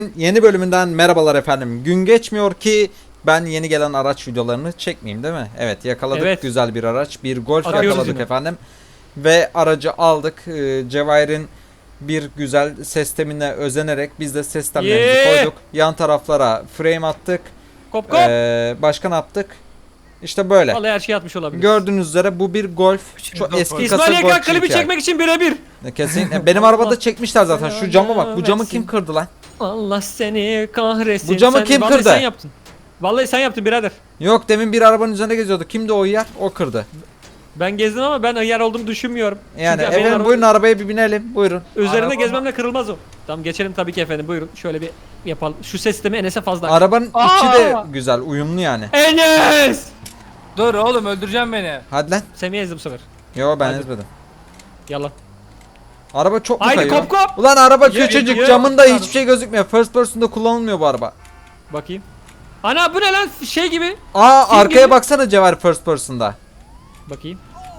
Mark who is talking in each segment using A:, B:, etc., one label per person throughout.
A: Yeni bölümünden merhabalar efendim. Gün geçmiyor ki ben yeni gelen araç videolarını çekmeyeyim, değil mi? Evet, yakaladık.
B: Evet.
A: Güzel bir araç. Bir Golf
B: Arıyoruz
A: yakaladık
B: yine.
A: efendim. Ve aracı aldık. Cevahir'in bir güzel sistemine özenerek biz de sistemlerimizi koyduk. Yan taraflara frame attık.
B: Kop kop.
A: Başka ne yaptık? İşte böyle.
B: Vallahi her şey atmış olabilir.
A: Gördüğünüz üzere bu bir Golf. Çok eski kasa
B: İsmail
A: Golf
B: Yakan klibi
A: GTI.
B: çekmek için birebir.
A: Kesinlikle. Benim arabada çekmişler zaten. Şu cama bak. Bu camı kim kırdı lan?
B: Allah seni kahretsin.
A: Bu camı kim
B: vallahi
A: kırdı?
B: Sen yaptın. Vallahi sen yaptın birader.
A: Yok, demin bir arabanın üzerinde geziyordu. Kimdi o yer? O kırdı.
B: Ben gezdim ama ben yer olduğumu düşünmüyorum.
A: Yani
B: Çünkü benim
A: efendim
B: arabam-
A: buyurun arabaya bir binelim. Buyurun.
B: Üzerine
C: Araba-
B: gezmemle kırılmaz o. Tamam geçelim tabii ki efendim buyurun. Şöyle bir yapalım. Şu ses sistemi Enes'e fazla.
A: Arabanın içi
C: Aa!
A: de güzel, uyumlu yani.
B: Enes!
C: Dur oğlum öldüreceğim beni.
A: Hadi lan.
B: Semih'e ezdim bu sefer.
A: Yo, ben
B: Hadi.
A: ezmedim.
B: Yalan.
A: Araba çok mu
B: Haydi
A: kayıyor?
B: kop kop.
A: Ulan araba
B: Ye,
A: küçücük,
B: ye.
A: camında hiçbir şey gözükmüyor. First person'da kullanılmıyor bu araba.
B: Bakayım. Ana bu ne lan şey gibi.
A: Aa,
B: Kim
A: arkaya
B: gibi?
A: baksana Cevher, first person'da.
B: Bakayım.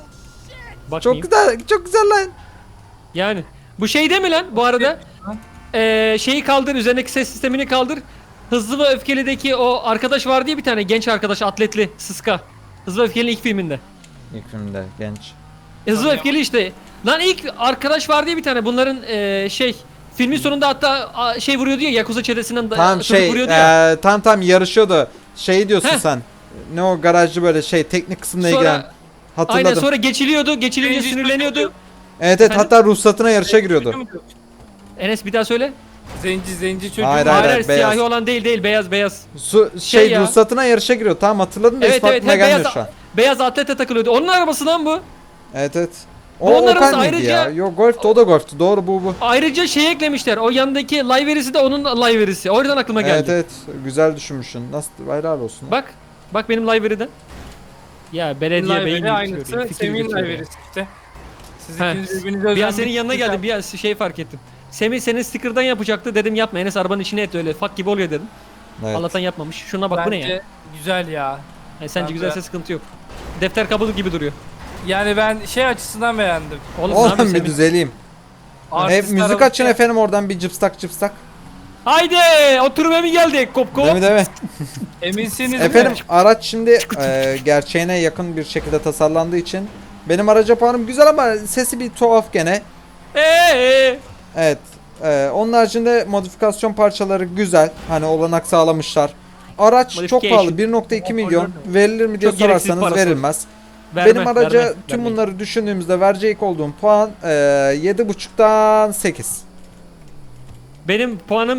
A: Çok
B: Bakayım.
A: güzel, çok güzel lan.
B: Yani bu şey değil mi lan bu arada? Şeyi kaldır, üzerindeki ses sistemini kaldır. Hızlı ve Öfkeli'deki o arkadaş vardı ya bir tane genç arkadaş atletli Sıska. Hızlı ve Öfkeli'nin ilk filminde.
A: İlk filmde genç.
B: Hızlı ve Öfkeli işte. Lan ilk arkadaş vardı ya bir tane bunların şey filmin sonunda hatta şey vuruyordu ya Yakuza çetesinden
A: Tamam
B: çocuk vuruyordu ya.
A: tam yarışıyordu. Şey diyorsun
B: Heh.
A: sen. Ne o garajcı böyle şey, teknik kısımla ilgilen.
B: Sonra
A: Hatırladım.
B: aynen sonra geçilinince
C: Birinci
B: sinirleniyordu.
C: çocuk.
A: Evet,
B: Efendim?
A: hatta ruhsatına yarışa giriyordu.
B: Enes bir daha söyle.
C: Zenci çocuğu.
A: Hayır,
B: Hayır,
A: hayır, beyaz.
B: siyahi olan değil beyaz.
A: Şey
B: ya.
A: ruhsatına yarışa giriyor. Tamam, hatırladım da
B: Evet
A: ismi
B: evet
A: aklıma
B: hem
A: gelmiyor
B: beyaz
A: şu an.
B: beyaz atlete takılıyordu. Onun arabası lan bu.
A: Evet evet.
B: Bu
A: O
B: onların
A: Opel miydi
B: ayrıca-
A: ya? Yok, Golf'tü, o da Golf'tü. Doğru, bu.
B: Ayrıca şey eklemişler. O yanındaki live verisi de onun live verisi. O yüzden aklıma geldi.
A: Evet evet. Güzel düşünmüşsün. Nasıl, helal olsun.
B: Bak benim live veriden. Ya belediye beyin gibi
C: aynısı.
B: söylüyor, fikir
C: Semih'in
B: gibi söylüyor.
C: live'isi işte. Siz
B: Heh.
C: ikiniz birbirinize
B: Bir an
C: özenmek
B: senin yanına
C: için-
B: geldim. Bir an şey fark ettim. Semih senin sticker'dan yapacaktı. Dedim yapma Enes arabanın içine et öyle. Fak gibi oluyor dedim.
A: Evet.
B: Allah'tan yapmamış. Şuna bak bu ne ya?
C: Bence güzel ya.
B: Sence
C: ben
B: güzelse
C: de-
B: sıkıntı yok. Defter kabuğu gibi duruyor.
C: Yani ben şey açısından beğendim.
B: Oğlum, ne
A: Oğlum
B: yapıyorsun
A: bir
B: Semih?
A: düzeleyim. Hep
C: Artist
A: müzik
C: arabası-
A: açın efendim, oradan bir cıpstak.
B: Haydi oturmaya mı geldik? Kop kop.
A: Değil mi, değil mi?
C: Eminsiniz
A: Efendim
C: mi?
A: araç şimdi gerçeğine yakın bir şekilde tasarlandığı için benim araca puanım güzel ama sesi bir tuhaf gene. Evet. Onun haricinde modifikasyon parçaları güzel. Hani olanak sağlamışlar. Araç çok
B: Modification.
A: pahalı. 1.2 milyon. Verilir mi diye
B: Çok gereksiz
A: sorarsanız
B: parası.
A: verilmez.
B: Verme,
A: Benim araca
B: verme,
A: tüm
B: vermeyin.
A: bunları düşündüğümüzde verecek olduğum puan 7.5'tan 8.
B: Benim puanım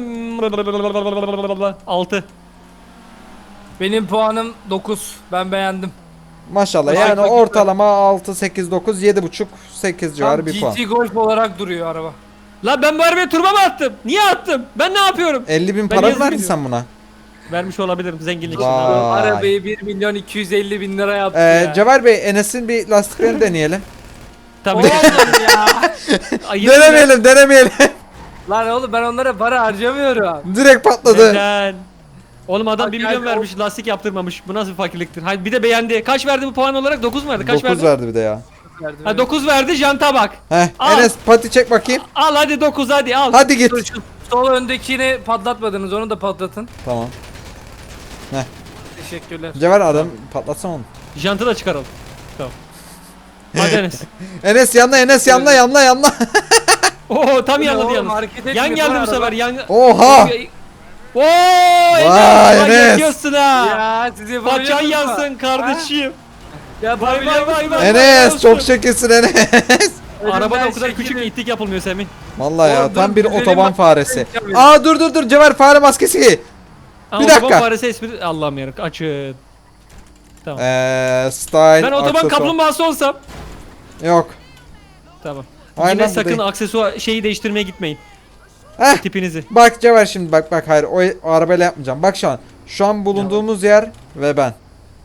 B: 6.
C: Benim puanım 9. Ben beğendim.
A: Maşallah,
C: Teşekkür
A: yani
C: ederim.
A: ortalama 6, 8, 9, 7.5, 8 civarı
C: Tam
A: bir puan.
C: GT Golf olarak duruyor araba.
B: Lan ben bu arabaya turba mı attım? Niye attım? Ben ne yapıyorum?
A: 50 bin
B: Ben
A: para mı
B: yazık
A: verdin
B: ediyorum.
A: sen buna?
B: Vermiş olabilirim zenginlik için.
A: Vay.
B: abi.
C: Arabayı 1 milyon 250 bin lira yaptı ya.
A: Cevher Bey, Enes'in bir lastiklerini deneyelim.
B: Tabii.
C: Oğlum ya.
B: Ay, yine mi?
A: Denemeyelim.
C: Lan oğlum ben onlara para harcamıyorum.
A: Direkt patladı.
B: Neden? Oğlum adam
C: Bak
B: 1
C: yani
B: milyon vermiş lastik yaptırmamış. Bu nasıl bir fakirliktir? Hayır bir de beğendi. Kaç verdi bu puan olarak? 9 mu verdi? Kaç
A: 9
B: verdi?
A: verdi bir de ya.
B: Ha 9 verdi janta bak.
A: Heh,
B: Al.
A: Enes pati çek bakayım.
B: Al hadi 9 hadi al.
A: Hadi git.
C: Dur, şu sol öndekini patlatmadınız, onu da patlatın.
A: Tamam.
C: Teşekkürler.
A: Cevher, adam patlatsana onu.
B: Jantı da çıkaralım. Tamam. Hadi Enes.
A: Enes yanla.
B: Oo tam
C: Bu ne
B: yanladı
C: oğlum,
B: yalnız.
C: hareket etmiyor
B: Yan geldi bu
C: araba.
B: sefer. Yan.
A: Oha.
B: Oo
A: Vay
B: Enes.
A: Enes.
B: Yakıyorsun ha.
C: Ya sizi
B: Paçan yansın kardeşim.
C: Ya
B: Vay vay vay vay.
A: Enes çok şekilsin Enes.
B: Arabada o kadar küçük itlik yapılmıyor Semih.
A: Vallahi ya,
C: Oğlum,
A: tam
C: dur,
A: bir
C: güzelim
A: otoban
C: bak.
A: faresi.
C: Tabii.
A: Aa dur Cevher, fare maskesi giy.
B: Ama
A: Bir dakika.
B: otoban faresi espri Allah'ım yarabbim açın. Tamam.
A: Style
B: Ben otoban
A: aksesuar.
B: kaplumbağası olsam.
A: Yok.
B: Tamam.
A: Aynen
B: Yine
A: bu
B: sakın
A: değil.
B: aksesuar şeyi değiştirmeye gitmeyin.
A: Heh.
B: Tipinizi.
A: Bak Cevher, şimdi bak hayır, o arabayla yapmayacağım. Bak şu an. Şu an bulunduğumuz yer ve ben.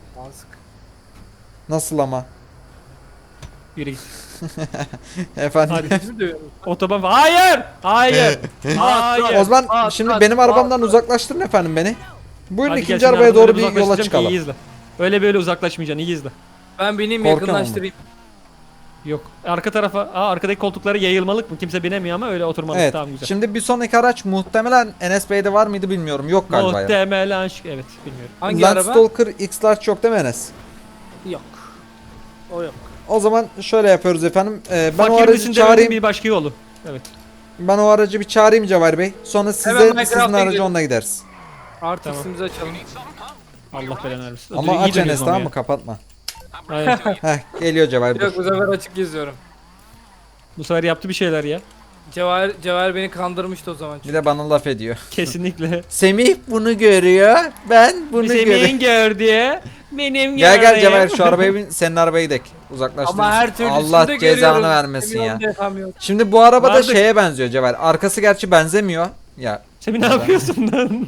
A: Nasıl ama?
B: Yürü git.
A: Efendim.
B: Hadi. Otoban hayır. Hayır. Hayır.
A: O zaman
C: Aa,
A: şimdi
C: aa,
A: benim
C: aa,
A: arabamdan
C: aa.
A: uzaklaştırın efendim beni. Buyurun
B: Hadi
A: ikinci
B: gel,
A: arabaya
B: şimdi
A: doğru
B: arabadan
A: bir yola
B: uzaklaşacağım ki
A: çıkalım.
B: iyi izle. Öyle böyle uzaklaşmayacaksın iyi izle.
C: Ben bineyim
A: Korkuyorum
C: yakınlaştırayım.
B: Yok. Arka tarafa, arkadaki koltukları yayılmalık mı? Kimse binemiyor ama öyle oturmalık.
A: Evet.
B: Tamam güzel.
A: Şimdi bir sonraki araç muhtemelen Enes Bey'de var mıydı bilmiyorum. Yok galiba ya.
B: Muhtemelen evet bilmiyorum.
C: Hangi araba?
A: Landstalker X-Large yok değil mi Enes?
C: Yok. O yok.
A: O zaman şöyle yapıyoruz efendim. Ben o
B: Fakir
A: aracı
B: misin demenin
A: çağırayım.
B: bir başka yolu. Evet.
A: Ben o aracı bir çağırayım Cevher Bey. Sonra
C: Hemen
A: sizin
C: Minecraft'a
A: aracı
C: gidelim.
A: onunla gideriz.
C: Artık
B: Tamam.
C: ismimizi açalım.
B: Allah belanı versin.
A: Ama
B: İyi
A: aç
B: dönüyoruz
A: Enes
B: ama
A: tamam
B: ya.
A: mı? Kapatma.
B: Aynen.
A: Heh geliyor Cevher
C: Yok bu
A: dur.
C: sefer açık geziyorum.
B: Bu sefer yaptı bir şeyler ya.
C: Cevher beni kandırmıştı o zaman.
A: Bir de bana laf ediyor.
B: Kesinlikle.
A: Semih bunu görüyor. Ben bunu görüyorum.
B: Senin gör diye. Benim
A: Gel gel
B: gördüğüm.
A: Cevher şu arabaya bin. Senin arabaya gidelim. Uzaklaştır.
C: Ama her türlü
A: Allah
C: üstünde
A: cezanı
C: görüyorum.
A: vermesin
C: Emin
A: ya.
C: ol yapamıyorum.
A: Şimdi bu araba da
B: Vardır.
A: şeye benziyor Cevher. Arkası gerçi benzemiyor. Ya
B: Semih ne yapıyorsun lan?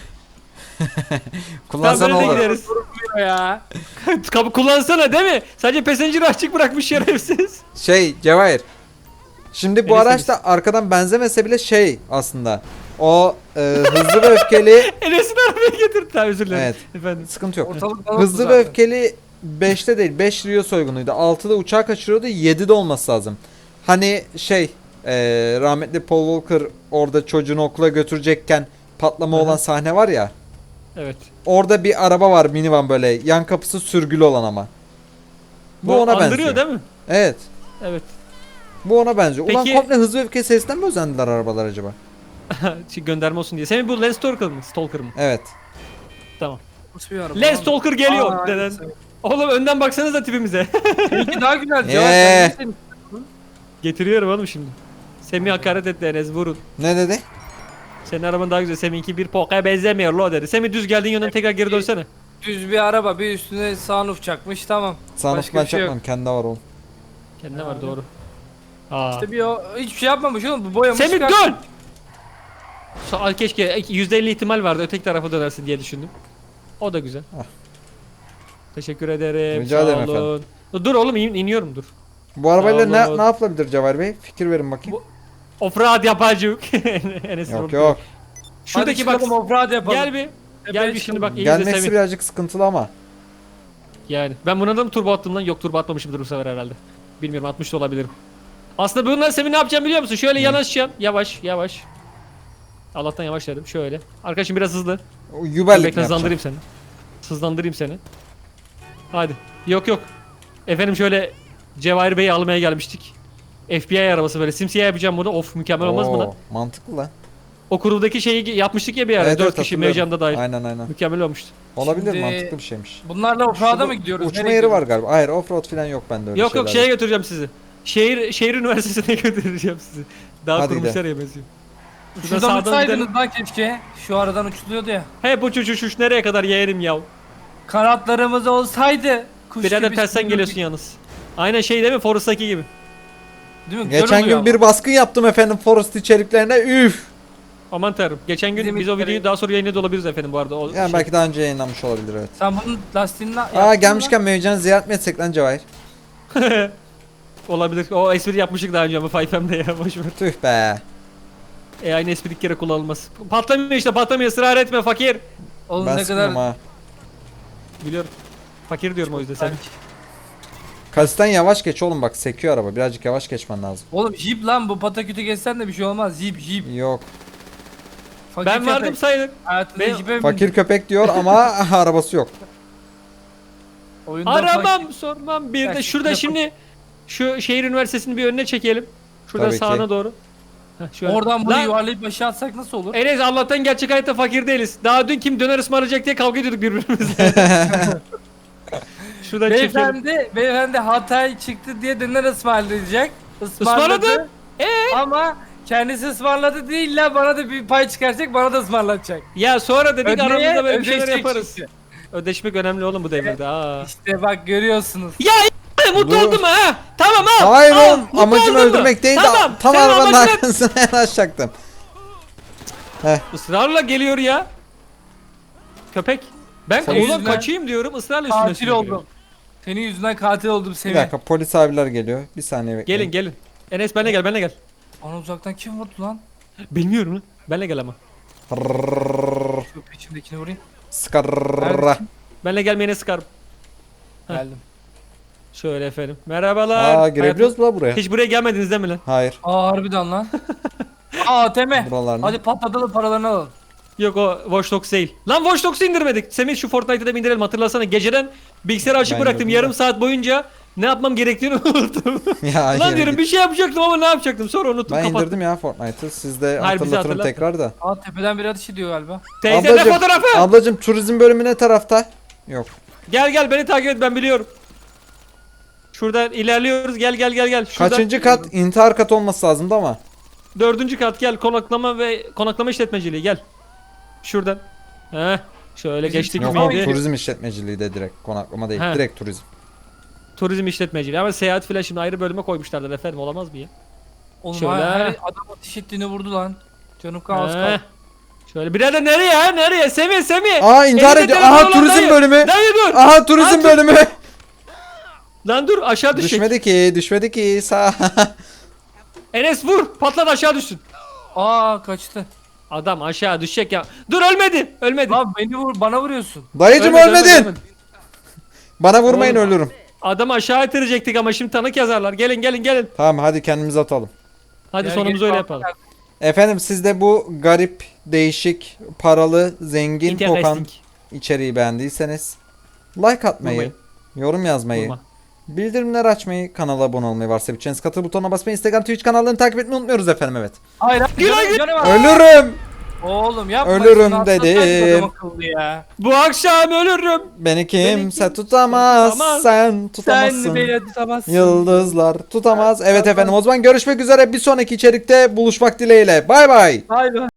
A: kullansan
B: Tamam, böyle de
A: olur.
B: gideriz.
C: Durmuyor ya.
B: Kapı kullansana değil mi? Sadece passenger açık bırakmış şerefsiz.
A: Şey Cevahir. Şimdi bu
B: Enes
A: araç da arkadan benzemese bile şey aslında. O hızlı ve öfkeli
B: Enes'in arabaya getirdi. Tamam özür dilerim.
A: Evet.
B: Efendim.
A: sıkıntı yok.
C: Ortalık dağıldı
A: Hızlı ve
C: zaten.
A: öfkeli 5'te değil 5 Rio soygunuydu. 6'da uçağı kaçırıyordu 7'de olması lazım. Hani şey rahmetli Paul Walker orada çocuğunu okula götürecekken patlama
B: Aha.
A: olan sahne var ya.
B: Evet.
A: Orada bir araba var minivan böyle yan kapısı sürgülü olan ama. Bu ona
B: andırıyor
A: benziyor.
B: değil mi?
A: Evet.
B: Evet.
A: Bu ona benziyor. Ulan
B: Peki-
A: komple hızlı ve öfke serisinden mi özendiler arabalar acaba?
B: Gönderme olsun diye. Senin bu Lens Stalker mı? Stalker mı?
A: Evet.
B: Tamam.
C: Nasıl bir araba
B: Lens
C: lan?
B: Stalker geliyor
C: Aa,
B: deden.
C: aynen.
B: Oğlum önden baksanıza tipimize.
C: Seninki daha güzel Cevher. sen ne senin-
B: Getiriyorum oğlum şimdi. Semih hakaret etti Enes vurun.
A: Ne dedi?
B: Senin araban daha güzel. Semih'inki bir pokaya benzemiyor lo dedi. Semih düz geldiğin yönden tekrar geri dönsene.
C: Düz bir araba bir üstüne sunroof çakmış tamam.
A: Sanıf
C: Başka
A: ben
C: bir şey yok.
A: çakmam. Kendi var oğlum.
B: Kendine var doğru. Aa.
C: İşte bir o hiçbir şey yapmamış oğlum bu boyamış.
B: Semih
C: çıkartmış.
B: dön! Keşke %50 ihtimal vardı öteki tarafa dönersin diye düşündüm. O da güzel.
A: Ah.
B: Teşekkür ederim.
A: Rica
B: sağ
A: ederim
B: olun. Dur oğlum iniyorum dur.
A: Bu arabayla
B: Sağ
A: ne,
B: olun.
A: ne yapılabilir Cevher Bey? Fikir verin bakayım.
B: Offroad yapacık. Enes
A: Yok
B: vurdu.
A: yok.
B: Şuradaki
C: Hadi
B: bak.
C: çıkalım, offroad yapalım.
B: Gel bir. Gel bir şimdi bak. iyi izle
A: Gelmesi
B: Semih.
A: birazcık sıkıntılı ama.
B: Yani ben buna da mı turbo attım lan? Yok turbo atmamışımdır bu sefer herhalde. Bilmiyorum atmış da olabilirim. Aslında bununla Semih ne yapacağım biliyor musun? Şöyle yanaşacağım. Yavaş yavaş. Allah'tan yavaş dedim. Şöyle. Arkadaşım biraz hızlı.
A: O
B: Dur,
A: yuvarlak
B: bekle hızlandırayım seni. Hızlandırayım seni. Hadi. Yok yok. Efendim şöyle Cevahir Bey'i almaya gelmiştik. FBI arabası böyle simsiyah yapacağım bunu. Of mükemmel olmaz mı lan?
A: Mantıklı lan.
B: O kurudaki şeyi yapmıştık ya bir ara.
A: Evet,
B: 4
A: evet,
B: kişi
A: hatırlıyorum.
B: Mevcan'da dahil.
A: Aynen aynen.
B: Mükemmel olmuştu.
A: Olabilir
C: Şimdi-
A: mantıklı bir şeymiş.
C: Bunlarla offroad'a
A: Şurada
C: mı gidiyoruz?
A: Uçma
C: Nereye
A: yeri var
C: gidiyoruz?
A: galiba. Hayır offroad falan yok bende öyle
B: Yok yok
A: şeyler.
B: şeye götüreceğim sizi. Şehir üniversitesine götüreceğim sizi. Daha
A: Hadi
B: kurmuşlar ya benziyor.
C: Şuradan
B: sağdan
C: uçsaydınız lan keşke. Şu aradan uçuluyordu ya.
B: He bu uçuş nereye kadar yeğenim yav.
C: Kanatlarımız olsaydı. Kuş
B: Birader
C: gibi
B: tersten
C: sürürdük.
B: geliyorsun yalnız. Aynen şey değil mi Forrest'taki gibi.
C: Değil mi? Güzel
A: Geçen
C: oluyor
A: gün bir baskın yaptım efendim Forest içeriklerine. Üf.
B: Aman tanrım. Geçen gün
C: Bizim
B: biz o
C: içeri-
B: videoyu daha sonra yayınladı olabiliriz efendim bu arada. O
A: Yani
B: şey-
A: belki daha önce yayınlanmış olabilir evet.
C: Sen bunun lastiğini
A: Aa gelmişken Mevcan'ı ziyaret mi etsek lan Cevahir?
B: Olabilir. O espri yapmıştık daha önce ama 5M'de ya boşver.
A: Tüh be.
B: Aynı espri ilk kere kullanılmaz. Patlamıyor işte patlamıyor ısrar etme fakir.
C: Oğlum
A: Ben
C: ne
A: sıkıldım
C: kadar
A: ha.
B: Biliyorum. Fakir diyorum o yüzden sen.
A: Kasisten yavaş geç oğlum bak sekiyor araba. Birazcık yavaş geçmen lazım.
C: Oğlum jip lan bu patakütü geçsen de bir şey olmaz. Jip.
A: Yok.
C: Fakir
B: Ben vardım
C: köpek.
B: sayılır.
C: Hayatında
B: Ben-
C: jipe mi
A: Fakir
C: bindin?
A: köpek diyor ama arabası yok.
C: Oyunda
B: Aramam sormam bir de
C: Gerçekten
B: şurada
C: yapın.
B: şimdi şu şehir üniversitesini bir önüne çekelim. Şurada
A: Tabii ki.
B: sağına doğru. Heh, şöyle.
C: Oradan bunu
B: Lan,
C: yuvarlayıp aşağı atsak nasıl olur?
B: Enes Allah'tan gerçek hayatta fakir değiliz. Daha dün kim döner ısmarlayacak diye kavga ediyorduk birbirimizle. Şuradan çekelim.
C: Beyefendi Hatay çıktı diye döner ısmarlayacak.
B: Ismarladı.
C: Ama kendisi ısmarladı değil la bana da bir pay çıkaracak bana da ısmarlatacak.
B: Ya sonra dedik aramızda böyle bir şeyler
C: ödeşecek
B: yaparız.
C: işte.
B: Ödeşmek önemli oğlum bu devirde. Aa.
C: İşte bak görüyorsunuz.
B: Ya mutlu
A: Dur.
B: oldum ha. Tamam al.
A: Hayır
B: al.
A: oğlum
B: Mutlu
A: amacım
B: oldun mu?
A: öldürmek değil de
B: Tamam.
A: tam
B: senin
A: arabanın
B: amacın
A: arkasına yanaşacaktım.
B: ısrarla geliyor ya. Köpek. Ben
C: Senin
B: oğlum
C: yüzünden
B: kaçayım diyorum ısrarla üstüne
C: Katil
B: üstüne geliyor.
C: oldum. Senin yüzünden katil oldum
A: Bir
C: Semih.
A: dakika polis abiler geliyor. Bir saniye bekleyin.
B: Gelin gelin. Enes benle gel benle gel.
C: Bana uzaktan kim vurdu lan?
B: Bilmiyorum lan. Benle gel ama.
A: Rrrr,
C: Şu peşimdekini vurayım.
A: Skarra.
B: Benle gelmeyene sıkarım. Heh.
C: Geldim.
B: Şöyle efendim. Merhabalar.
A: Aa girebiliyoruz mu la buraya?
B: Hiç buraya gelmediniz değil mi lan?
A: Hayır.
C: Aa harbiden lan. Aa Teme.
A: Buralar ne?
C: Hadi patlatalım paralarını alalım.
B: Yok o Watch Dogs değil. Lan Watch Dogs'u indirmedik. Semih şu Fortnite'ı da bir indirelim, hatırlasana. Geceden bilgisayarı açık
A: Ben
B: bıraktım.
A: indirdim
B: Yarım
A: de.
B: saat boyunca ne yapmam gerektiğini unuttum.
A: Ya
B: Lan
A: yine
B: diyorum
A: git.
B: bir şey yapacaktım ama ne yapacaktım, sonra unuttum,
A: Ben
B: kapattım.
A: indirdim ya Fortnite'ı. Siz de
B: Hayır, bizi
A: hatırlatırım
B: hatırlat.
A: tekrar da.
C: Aa tepeden biri ateş ediyor galiba.
B: Teyze de fotoğrafı.
A: Ablacım turizm bölümü ne tarafta? Yok.
B: Gel beni takip et, ben biliyorum. Şuradan ilerliyoruz, gel. Şuradan,
A: Kaçıncı kat? İntihar katı olması lazımdı ama.
B: 4. kat, gel, konaklama işletmeciliği, gel. Şuradan. Heh. Şöyle
C: Bizim
B: geçtik
A: Yok
C: Tamam,
A: o
B: miydi?
A: turizm işletmeciliği de direkt. Konaklama değil.
B: He.
A: Direkt turizm.
B: Turizm işletmeciliği ama seyahat filan şimdi ayrı bölüme koymuşlardır efendim, olamaz mı ya?
C: Oğlum
B: Şöyle.
C: her adam ateş ettiğini vurdu lan. Canım kaos
B: Heh.
C: kaldı.
B: Şöyle birader, nereye ha, nereye? Semih.
A: Aa intihar
B: Elinde
A: ediyor.
B: telefon
A: Aha
B: olan
A: turizm
B: dayı.
A: bölümü.
B: Dayı dur.
A: Aha turizm
B: Aa,
A: bölümü.
B: Lan dur, aşağı düşecek.
A: Düşmedi ki. Sağ.
B: Enes vur, patlat, aşağı düşsün.
C: Aa kaçtı.
B: Adam aşağı düşecek ya. Dur, ölmedi.
C: Lan beni vur, bana vuruyorsun.
A: Dayıcım ölmedin. Bana vurmayın
B: Oğlum.
A: ölürüm.
B: Adamı aşağı itirecektik ama şimdi tanık yazarlar. Gelin.
A: Tamam hadi kendimizi atalım.
B: Hadi
C: Gel,
B: sonumuzu
C: gel,
B: öyle
C: kalk,
B: yapalım.
C: kalk.
A: Efendim siz de bu garip, değişik, paralı, zengin, kokan
B: Interesting.
A: içeriği beğendiyseniz like atmayı,
B: Vurmayın.
A: yorum yazmayı,
B: Vurma.
A: bildirimleri açmayı, kanala abone olmayı, varsa bütçeniz katıl butonuna basmayı, Instagram, Twitch kanallarını takip etmeyi unutmuyoruz efendim, evet.
C: Hayır,
B: Güle
C: canım var.
A: Ölürüm.
C: Oğlum yapma.
A: Ölürüm
C: şunu, atlasaydın
A: dedim.
C: adam akıllı ya.
B: Bu akşam ölürüm.
A: Beni kimse
B: kimse
A: tutamaz,
B: tutamaz.
A: sen tutamazsın.
C: Sen beni tutamazsın.
A: Yıldızlar tutamaz. Evet efendim o zaman görüşmek üzere, bir sonraki içerikte buluşmak dileğiyle. Bay bay.
C: Hayır.